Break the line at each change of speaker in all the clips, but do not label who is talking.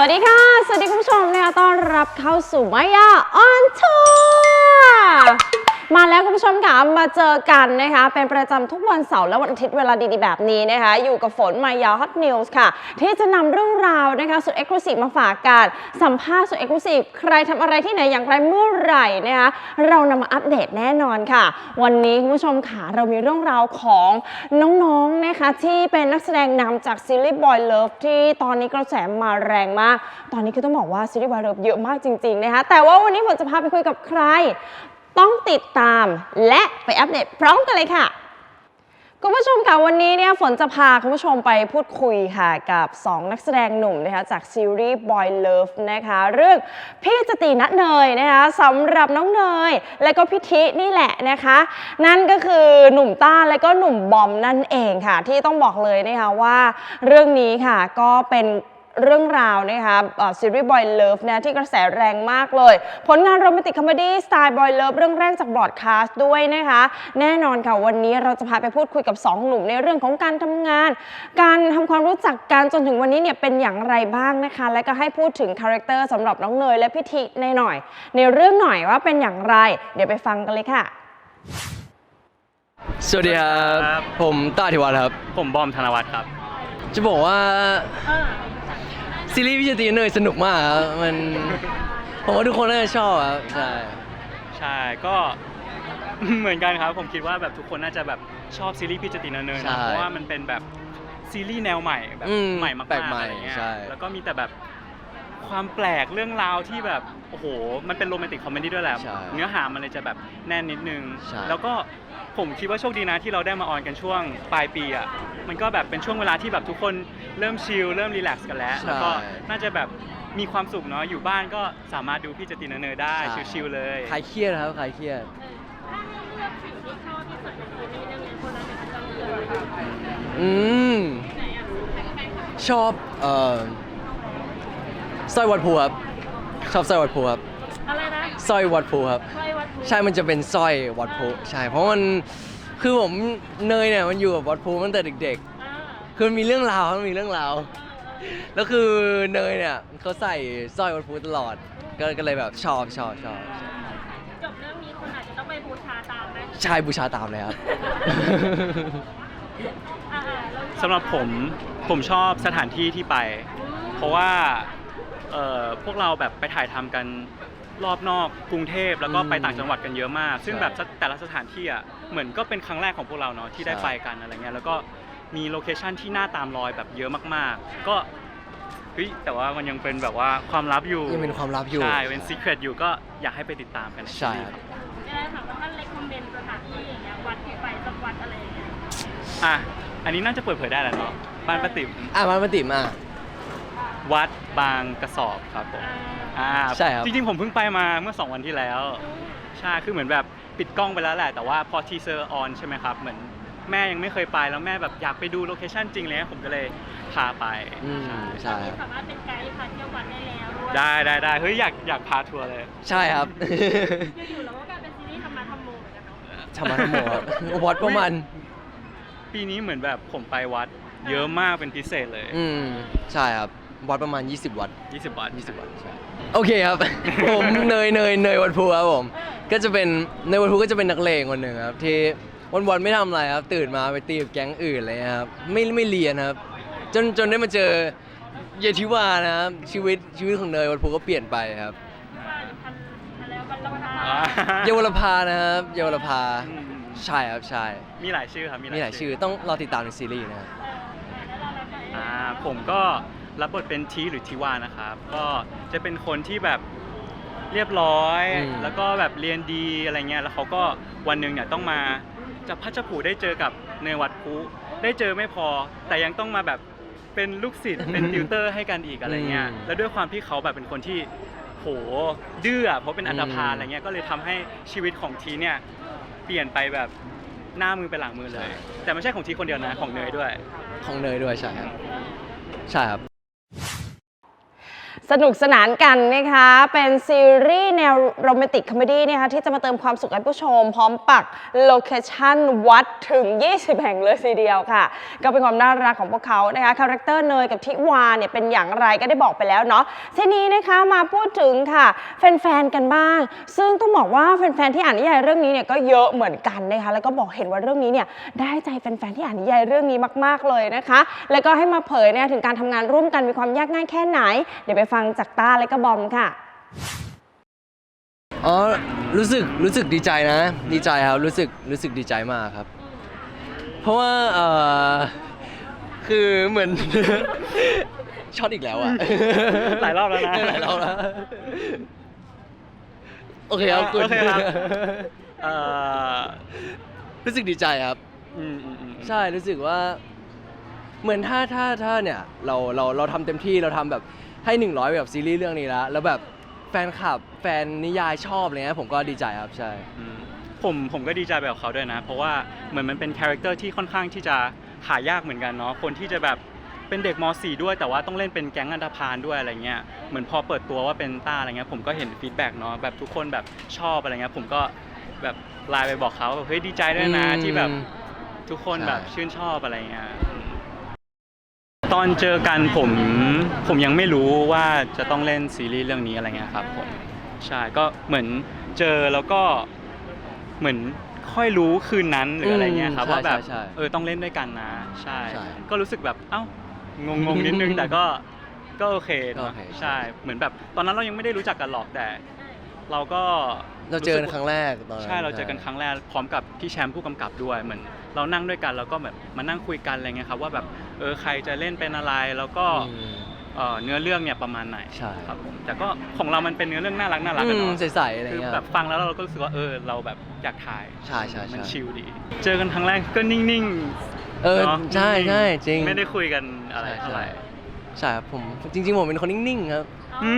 วัสดีค่ะสวัสดีคุณผู้ชมนะคะต้อนรับเข้าสู่มายาออนทัวร์มาแล้วคุณผู้ชมค่ะมาเจอกันนะคะเป็นประจำทุกวันเสาร์และวันอาทิตย์เวลาดีๆแบบนี้นะคะอยู่กับฝนมายาฮอตนิวส์ค่ะที่จะนำเรื่องราวนะคะสุดเอ็กซ์คลูซีฟมาฝากกันสัมภาษณ์สุดเอ็กซ์คลูซีฟใครทำอะไรที่ไหนอย่างไรเมื่อไหร่นะคะเรานำมาอัปเดตแน่นอนค่ะวันนี้คุณผู้ชมค่ะเรามีเรื่องราวของน้องๆนะคะที่เป็นนักแสดงนำจากซีรีส์ Boy Love ที่ตอนนี้กระแสมาแรงมากตอนนี้คือต้องบอกว่าซีรีส์ Boy Love เยอะมากจริงๆนะคะแต่ว่าวันนี้ผมจะพาไปคุยกับใครต้องติดตามและไปอัปเดตพร้อมกันเลยค่ะคุณผู้ชมค่ะวันนี้เนี่ยฝนจะพาคุณผู้ชมไปพูดคุยค่ะกับ2นักแสดงหนุ่มนะคะจากซีรีส์ Boy Love นะคะเรื่องพี่จติณเนยนะคะสำหรับน้องเนยและก็พี่ทินี่แหละนะคะนั่นก็คือหนุ่มต้าและก็หนุ่มบอมนั่นเองค่ะที่ต้องบอกเลยนะคะว่าเรื่องนี้ค่ะก็เป็นเรื่องราวนะคะซีรีส์ Boy Love นะที่กระแสแรงมากเลยผลงานโรแมนติกคอมเมดี้สไตล์ Boy Love เรื่องแรกจากบรอดคาสต์ด้วยนะคะแน่นอนค่ะวันนี้เราจะพาไปพูดคุยกับ2หนุ่มในเรื่องของการทำงานการทำความรู้จักกันจนถึงวันนี้เนี่ยเป็นอย่างไรบ้างนะคะและก็ให้พูดถึงคาแรคเตอร์สำหรับน้องเนยและพี่ทิหน่อยในเรื่องหน่อยว่าเป็นอย่างไรเดี๋ยวไปฟังกันเลยค่ะ
สวัสดีครับผมต้าธิวัฒน์ครับ
ผมบอมธนวัฒน์ครับ
จะบอกว่าซีรีส์พี่จติณเนยสนุกมากครับมันผมว่าทุกคนน่าจะชอบครับ
ใช่ก็เหมือนกันครับผมคิดว่าแบบทุกคนน่าจะแบบชอบซีรีส์พี่จติณเนยนะเพราะว่ามันเป็นแบบซีรีส์แนวใหม่แบบใหม่มากๆอะไรเงี้ยแล้วก็มีแต่แบบความแปลกเรื่องราวที่แบบโอ้โหมันเป็นโรแมนติกคอมเมดี้ด้วยแหละเนื้อหามันเลยจะแบบแน่นนิดนึงแล้วก็ผมคิดว่าโชคดีนะที่เราได้มาออนกันช่วงปลายปีอ่ะมันก็แบบเป็นช่วงเวลาที่แบบทุกคนเริ่มชิลเริ่มรีแลกซ์กันแล้วแล้วก็น่าจะแบบมีความสุขเนาะอยู่บ้านก็สามารถดูพี่จติณเนยได้ชิลๆเลย
คลายเครียดครับคลายเครียดชอบสร้อยวัดภูครับชอบสร้อยวัดภูครับ
อะไรนะ
สร้อยวัดภูครับใช่มันจะเป็นสร้อยวัดภูใช่เพราะมันคือผมเนยเนี่ยมันอยู่กับวัดภูตั้งแต่เด็กๆคือมันมีเรื่องราวแล้วคือเนยเนี่ยเขาใส่สร้อยวัดภูตลอดก็เลยแบบชอบจบ
เรื่องนี้คุณอาจจะต้องไปบูชาตามไหม
ใช่บูชาตามเลยครับ
สำหรับผมชอบสถานที่ที่ไปเพราะว่าพวกเราแบบไปถ่ายทำกันรอบนอกกรุงเทพแล้วก็ไปต่างจังหวัดกันเยอะมากซึ่งแบบแต่ละสถานที่อ่ะเหมือนก็เป็นครั้งแรกของพวกเราเนาะที่ได้ไปกันอะไรเงี้ยแล้วก็มีโลเคชั่นที่น่าตามรอยแบบเยอะมากๆก็แต่ว่ามันยังเป็นแบบว่าความลับอยู่
ยังเป็นความลับอยู่
ใช่เป็นซีเครตอยู่ก็อยากให้ไปติดตามกัน
ใช่
ครับถามว่าท่านเล็กคอมเมนต์สถานที่อย่างเงี้ยวัดที่ไปสักวัดอะไรอย่างเงี้ย
อันนี้น่าจะเปิดเผยได้แหละเนาะบ้านป้าติ๋ม
บ้านป้าติ๋ม
วัดบางกระสอบครับผม
ใช่ครับ
จริงๆผมเพิ่งไปมาเมื่อ2 วันที่แล้วใช่คือเหมือนแบบปิดกล้องไปแล้วแหละแต่ว่าพอทีเซอร์ออนใช่ไหมครับเหมือนแม่ยังไม่เคยไปแล้วแม่แบบอยากไปดูโลเคชั่นจริงเลยผมก็เลยพาไป
ใช่
สามารถเป็นไกด์พาเที่ยววัดได้แล้วด้วย
ได้เฮ้ยอยากพาทัวร์เลย
ใช่ครับ
อยู่ๆแล้วก็กลายเป็นซีรีส์ธรรมะธรรมโมเหมือนกันเนาะ
ธรรมะธรรมโมวัดประมาณ
ปีนี้เหมือนแบบผมไปวัดเยอะมากเป็นพิเศษเลย
ใช่ครับวัดประมาณ20 วัดใช่โอเคครับ ผมเนยวัดภูครับผมก็จะเป็นในวัดภูก็จะเป็นนักเลงคนหนึ่งครับที่วันไม่ทำอะไรครับตื่นมาไปตีกับแก๊งอื่นเลยครับไม่เรียนครับจนได้มาเจอเยทิวานะครับชีวิตของเนยวัดภูก็เปลี่ยนไปครับเยาวรพานะครับเยาวรพาใช่ครับใช่
มีหลายชื่อครับ
มีหลายชื่อต้องรอติดตามในซีรีส์นะครับ
ผมก็รับบทเป็นทีหรือทิวานะครับก็จะเป็นคนที่แบบเรียบร้อยแล้วก็แบบเรียนดีอะไรเงี้ยแล้วเขาก็วันหนึ่งเนี่ยต้องมาจับพัชผูได้เจอกับเนยวัดภูได้เจอไม่พอแต่ยังต้องมาแบบเป็นลูกศิษย์เป็นติวเตอร์ให้กันอีกอะไรเงี้ยแล้วด้วยความที่เขาแบบเป็นคนที่โหดื้อเพราะเป็นอันธพาลอะไรเงี้ยก็เลยทำให้ชีวิตของทีเนี่ยเปลี่ยนไปแบบหน้ามือไปหลังมือเลยแต่ไม่ใช่ของทีคนเดียวนะของเนยด้วย
ใช่ครับ
สสนุกสนานกันนะคะเป็นซีรีส์แนวโรแมนติกคอมเมดี้นะคะที่จะมาเติมความสุขให้ผู้ชมพร้อมปักโลเคชั่นวัดถึง 20 แห่งเลยทีเดียวค่ะก็เป็นความน่ารักของพวกเขานะคะคาแรคเตอร์เนยกับทิวาเนี่ยเป็นอย่างไรก็ได้บอกไปแล้วเนาะทีนี้นะคะมาพูดถึงค่ะแฟนๆกันบ้างซึ่งต้องบอกว่าแฟนๆที่อ่านนิยายเรื่องนี้เนี่ยก็เยอะเหมือนกันนะคะแล้วก็บอกเห็นว่าเรื่องนี้เนี่ยได้ใจแฟนๆที่อ่านนิยายเรื่องนี้มากๆเลยนะคะแล้วก็ให้มาเผยเนี่ยถึงการทำงานร่วมกันมีความยากง่ายแค่ไหนเดี๋ยวไปฟังจากต้าและก็บอมค่ะ
อ๋อรู้สึกดีใจนะดีใจครับรู้สึกดีใจมากครับเพราะว่าคือเหมือน ช็อตอีกแล้วอะ
หลายรอบแล้วนะ
หลายรอบแล้วโอเคครับคุณ
โอเคครับ
รู้สึกดีใจครับใช่รู้สึกว่าเหมือนถ้าเนี่ยเราทำเต็มที่เราทำแบบให้100แบบซีรีส์เรื่องนี้แล้วแบบแฟนคลับแฟนนิยายชอบอะไรเงี้ยผมก็ดีใจครับใช่
ผมก็ดีใจแบบเขาด้วยนะเพราะว่าเหมือนมันเป็นคาแรคเตอร์ที่ค่อนข้างที่จะหายากเหมือนกันเนาะคนที่จะแบบเป็นเด็กม .4 ด้วยแต่ว่าต้องเล่นเป็นแก๊งอันธพาลด้วยอะไรเงี้ยเหมือนพอเปิดตัวว่าเป็นต้าอะไรเงี้ยผมก็เห็นฟีดแบ็กเนาะแบบทุกคนแบบชอบอะไรเงี้ยผมก็แบบไลน์ไปบอกเขาแบบเฮ้ยดีใจด้วยนะที่แบบทุกคนแบบชื่นชอบอะไรเงี้ยตอนเจอกันผมยังไม่รู้ว่าจะต้องเล่นซีรีส์เรื่องนี้อะไรเงี้ยครับผมใช่ก็เหมือนเจอแล้วก็เหมือนค่อยรู้คืนนั้นหรืออะไรเงี้ยครับว่าแบบต้องเล่นด้วยกันนะใช่ก็รู้สึกแบบเอ้างงนิดนึงแต่ก็โอเคนะใช่เหมือนแบบตอนนั้นเรายังไม่ได้รู้จักกันหรอกแต่เรา
เจอกันครั้งแรกตอน
ใช่เราเจอกันครั้งแรกพร้อมกับพี่แชมป์ผู้กำกับด้วยเหมือนเรานั่งด้วยกันแล้วก็แบบมานั่งคุยกันอะไรเงี้ยครับว่าแบบใครจะเล่นเป็นอะไรแล้วก็เนื้อเรื่องเนี่ยประมาณไหนครับผมแต่ก็ของเรามันเป็นเนื้อเรื่องน่ารักกันเนาะ
ใสๆอะไรเงี้ย
คือแบบฟังแล้วเราก็รู้สึกว่าเราแบบอยากถ่าย
ใช่
มันชิลดีเจอกันครั้งแรกก็นิ่ง
ๆใช่จริง
ไม่ได้คุยกันอะไรเท่าไหร่
ใช่ครับผมจริงๆผมเป็นคนนิ่งๆครับ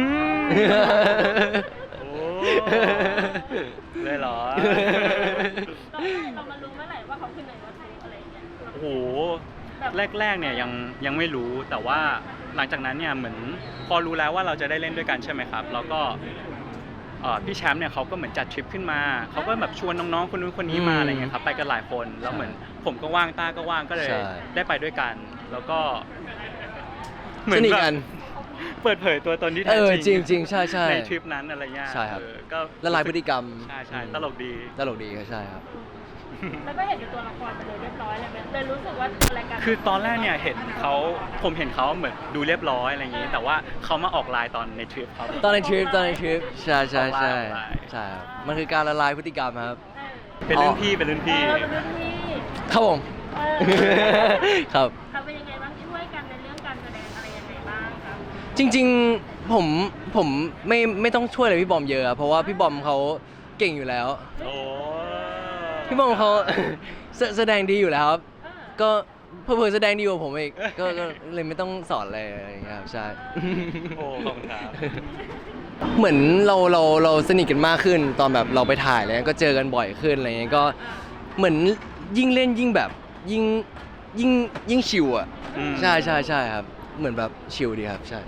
เลยเหรอ
เรามารู้เมื่อไหร่ว่าเขาคือไหนว่าทูอะไรอย่างเงี้ย
โอ้โหแรกเนี่ยยังไม่รู้แต่ว่าหลังจากนั้นเนี่ยเหมือนพอรู้แล้วว่าเราจะได้เล่นด้วยกันใช่ไหมครับแล้วก็พี่แชมป์เนี่ยเขาก็เหมือนจัดทริปขึ้นมาเขาก็แบบชวนน้องๆคนนู้นคนนี้มาอะไรเงี้ยครับไปกันหลายคนแล้วเหมือนผมก็ว่างต้าก็ว่างก็เลยได้ไปด้วยกันแล้วก็
เหมือนกัน
เปิดเผยตัวตนที่แท้
จริงใช่
ในทริปนั้นอะไรเงี้ย
ใช่ครับก็ละลายพฤติกรรม
ใช่ตลกดี
ใช่ครับ
แล้วก็เห็นเป็นตัวละครไปเลยเรียบร้อยเลยรู้สึกว่าอะไรกัน
คือตอนแรกเนี่ยผมเห็นเขาเหมือนดูเรียบร้อยอะไรอย่างงี้แต่ว่าเขามาออกไลน์ตอนในทริปครับ
ตอนในทริปใช่ครับมันคือการละลายพฤติกรรมครับ
เป็นรุ่นพี่
ครับผมครับ
ทำเป็นยังไงบ้างช่วยกันในเรื่องการแสดงอะไรยังไงบ้างครับ
จริงๆผมไม่ต้องช่วยอะไรพี่บอมเยอะเพราะว่าพี่บอมเขาเก่งอยู่แล้วพี่บอมเขาแสดงดีอยู่แล้วครับก็เพื่อแสดงดีกว่าผมอีกก็เลยไม่ต้องสอนอะไรอย่างเงี้ยครับใช่
โอ้ขอบคุณครับ
เหมือนเราสนิทกันมากขึ้นตอนแบบเราไปถ่ายแล้วก็เจอกันบ่อยขึ้นอะไรเงี้ยก็เหมือนยิ่งเล่นยิ่งแบบยิ่งชิลอ่ะใช่ครับเหมือนแบบชิลดีครับใช่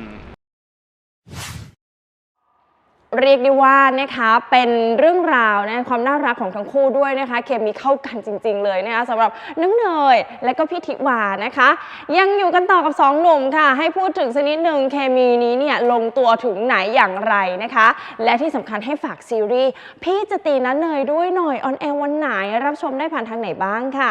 เรียกได้ว่านะคะเป็นเรื่องราวนะความน่ารักของทั้งคู่ด้วยนะคะเคมีเข้ากันจริงๆเลยนะคะสำหรับน้องเนยและก็พี่ทิวานะคะยังอยู่กันต่อกับ2หนุ่มค่ะให้พูดถึงสักนิดหนึ่งเคมีนี้เนี่ยลงตัวถึงไหนอย่างไรนะคะและที่สำคัญให้ฝากซีรีส์พี่จะตีนะเนยด้วยหน่อยออนแอร์วันไหนรับชมได้ผ่านทางไหนบ้างค่ะ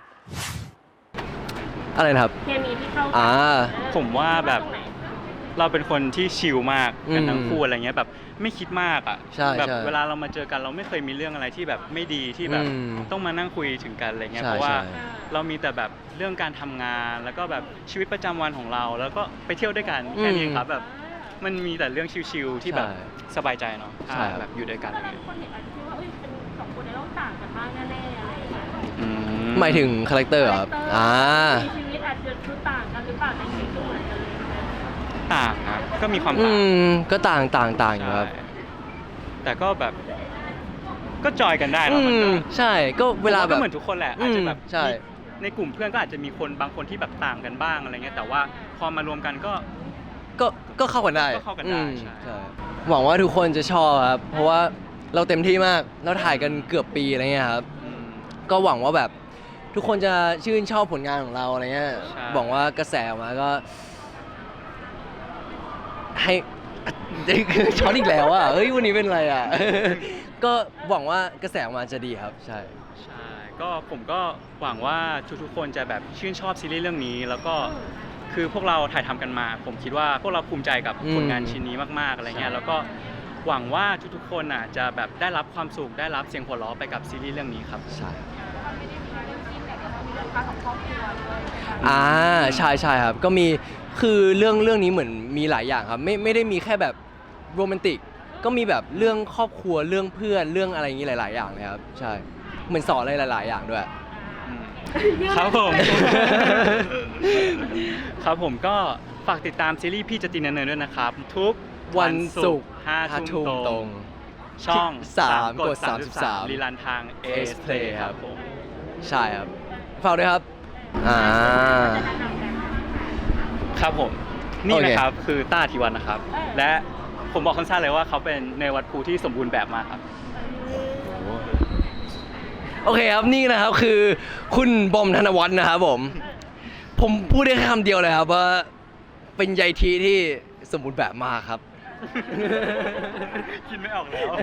อะไรนะครับ
เคมีที่เข้า
ผมว่าแบบเราเป็นคนที่ชิลมากกันทั้งคู่อะไรเงี้ยแบบไม่คิดมากอ่ะแบบเวลาเรามาเจอกันเราไม่เคยมีเรื่องอะไรที่แบบไม่ดีที่แบบต้องมานั่งคุยถึงกันอะไรเงี้ยเพราะว่าเรามีแต่แบบเรื่องการทำงานแล้วก็แบบชีวิตประจำวันของเราแล้วก็ไปเที่ยวด้วยกันแค่นี้ครับแบบมันมีแต่เรื่องชิลๆที่แบบสบายใจเนาะแบบอยู่ด้วยกัน
เลยคนเห็นอาจจะคิดว่าเป็น2คนในโลกต่างกันมากแน่ๆอะไรอย่างเงี้
ยหมายถึงคาแรคเตอร์ครับ
ชีวิตอาจจะคือต่างกันหรือเปล่าในชีวิตก็เหมือนกันเลย
ต่างครับก็มีความต่าง
ก็ต่างอยู่ครับ
แต่ก็แบบก็จอยกันได้แล้วมันก็
ใช่ก็เวลาแบบ
เหมือนทุกคนแหละอาจจะแบบในกลุ่มเพื่อนก็อาจจะมีคนบางคนที่แบบต่างกันบ้างอะไรเงี้ยแต่ว่าพอมารวมกันก็
ก็เข้ากันได้
ก็เข้ากันได้
อืม
ใช่
ใช่หวังว่าทุกคนจะชอบครับเพราะว่าเราเต็มที่มากเราถ่ายกันเกือบปีอะไรเงี้ยครับ
อืม
ก็หวังว่าแบบทุกคนจะชื่นชอบผลงานของเราอะไรเงี้ย
ใช่
หวังว่ากระแสออกมาก็ ให้ ช็อตอีกแล้วอ่ะเฮ้ยวันนี้เป็นไรอ่ะ ก็หวังว่ากระแสออกมาจะดีครับใช่
ใช่ก็ผมก็หวังว่าทุกๆคนจะแบบชื่นชอบซีรีส์เรื่องนี้ แล้วก็คือพวกเราถ่ายทำกันมา ผมคิดว่าพวกเราภูมิใจกับผลงานชิ้นนี้มากๆอะไรเงี้ย
ใช่
แล้วก็หวังว่าทุกๆคนอ่ะจะแบบได้รับความสุขได้รับเสียงหัวเราะไปกับซีรีส์เรื่องนี้ครับ
ใช่
ไม่ได้มีแค่เรื่องจิ้นแต่ก็มีเรื่องพาร์ทของครอบครัวด้วยนะคะ
ใช่ใช่ครับก็มีคือเรื่องนี้เหมือนมีหลายอย่างครับไม่ได้มีแค่แบบโรแมนติกก็มีแบบเรื่องครอบครัวเรื่องเพื่อนเรื่องอะไรอย่างนี้หลาย ๆ อย่างเลยครับใช่เหมือนสอนอะไรหลาย ๆ อย่างด้วย
ครับผม ครับผมก็ฝากติดตามซีรีส์พี่จะตีนเนินๆด้วยนะครับ ทุก
วันศุกร์
5 ทุ่ม
ต
ต
ร
รง ง ช่อง
3
กด
33
รีลันทาง
AS Play ครับ
ผม
ใช่ครับฝากด้วยครับ
ครับผมนี่
โอเค
นะครับคือต้าธิวัฒน์นะครับ และผมบอกสั้นๆเลยว่าเขาเป็นเนยวัดภูที่สมบูรณ์แบบมากครับ
โอเคครับนี่นะครับคือคุณบอมธนวัฒน์นะครับผมพูดได้แค่คำเดียวเลยครับว่าเป็นใยทีที่สมบูรณ์แบบมากครับ
คิดไม่ออกแล้ว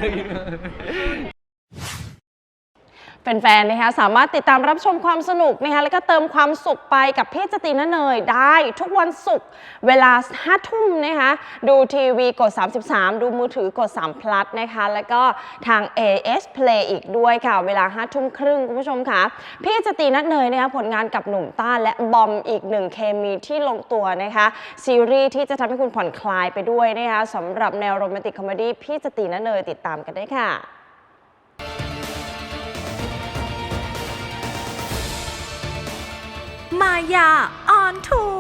แฟนๆนะคะสามารถติดตามรับชมความสนุกนะคะแล้วก็เติมความสุขไปกับพี่จติณเนยได้ทุกวันศุกร์เวลา 5 ทุ่มนะคะดูทีวีกด 33 ดูมือถือกด3 plus นะคะแล้วก็ทาง AS Play อีกด้วยค่ะเวลา 5 ทุ่มครึ่งคุณผู้ชมค่ะพี่จติณเนยนะคะผลงานกับหนุ่มต้าและบอมอีกหนึ่งเคมีที่ลงตัวนะคะซีรีส์ที่จะทำให้คุณผ่อนคลายไปด้วยนะคะสำหรับแนวโรแมนติกคอมเมดี้พี่จติณเนยติดตามกันได้ค่ะ
มายาออนทัว